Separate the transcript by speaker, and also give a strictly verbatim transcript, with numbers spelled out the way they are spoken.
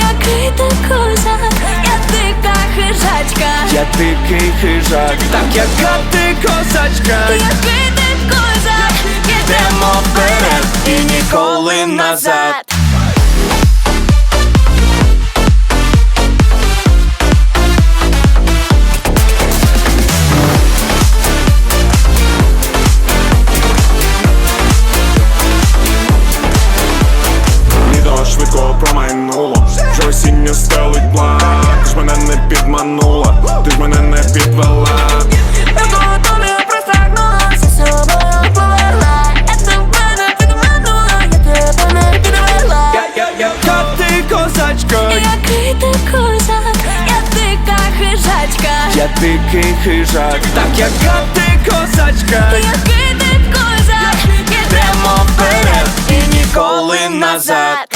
Speaker 1: Який ти козак, я дика хижачка.
Speaker 2: Я дикий хижак, так яка ти козачка.
Speaker 1: Який ти козак,
Speaker 2: Йдемо вперед і ніколи назад.
Speaker 3: Літо швидко промайнуло, вже осінню стелить блак. Ти ж мене не підманула, ти ж мене не підвела.
Speaker 1: я до тобі простягнулася, собою повела. Я тебе не підманула, я тебе не підвела.
Speaker 2: Я, я, яка ти козачка.
Speaker 1: Який ти козак, я дика хижачка.
Speaker 2: Я дикий хижак, так яка ти козачка.
Speaker 1: Який ти козак,
Speaker 2: Йдемо вперед і ніколи назад.